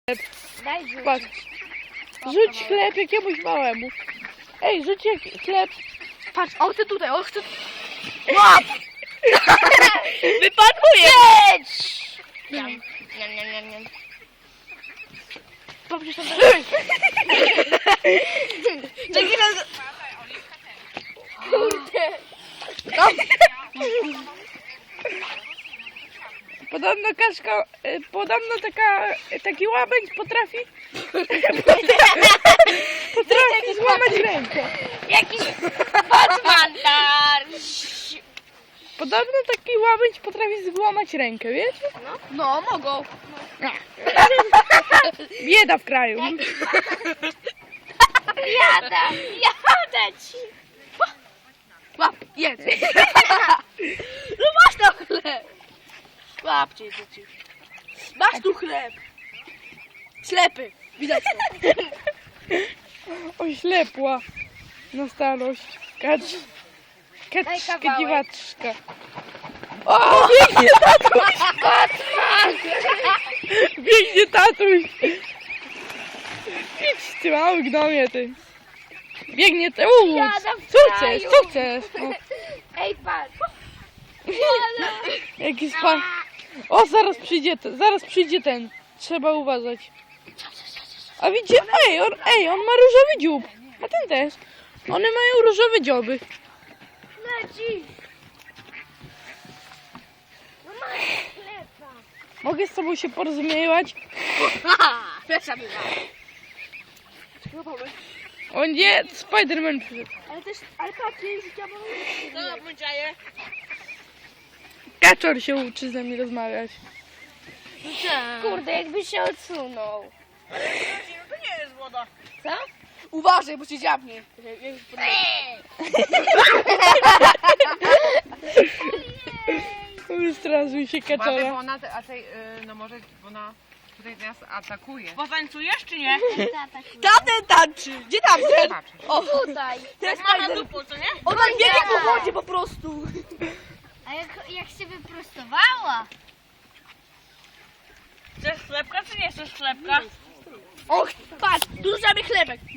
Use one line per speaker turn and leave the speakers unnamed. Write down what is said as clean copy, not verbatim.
Daj rzucić.
Patrz. Rzuć chleb jakiemuś małemu. Ej, rzuć chleb.
Patrz, on chce tutaj, on chce... Łap!
Wypaduje!
Niam, niam, niam, niam, niam. Popatrz tam. Czekaj raz... Kurde.
Podobno taki łabędź potrafi złamać rękę.
Jakiś Batman dar.
Podobno taki łabędź potrafi złamać rękę, wiesz?
No, mogą.
Bieda w kraju.
Jadę ci. Łap, jedz. No masz tam chleb. Łapcie dzieci. Masz tu chleb. Ślepy. Widać to.
Oślepła na starość.
Daj
Kaczka,
kawałek.
dziwaczka. O, biegnie tatuś! Biegnie tatuś! Idź ty mały gnomie ty. Biegnie ty.
Jadam w
Co
kraju.
chcesz? Co chcesz? No.
Ej, patrz.
Jaki spa... O, zaraz przyjdzie ten. Trzeba uważać. A widzicie? On ma różowy dziób. A ten też. One mają różowe dzioby.
Leci. No masz chleba.
Mogę z tobą się porozumiewać?
Pierwsza była.
O nie, Spiderman przyszedł.
Ale patrz, życia bo... No, bądźaje.
Kaczor się uczy ze mnie rozmawiać.
Kurde, jakby się odsunął.
No to nie jest woda.
Co?
Uważaj, bo cię dziabnie.
Wystraszył się
Uważaj, bo
kaczora.
ona, no może, bo ona tutaj nas atakuje.
Potańcujesz czy nie?
Tamten tańczy. Gdzie tamten?
Zobaczysz.
O, tutaj.
Jak macha dupą, co nie?
On tam biegnie po wodzie po prostu.
A jak się wyprostowała?
Chcesz chlebka czy nie chcesz chlebka?
Och, patrz, tu mamy chlebek.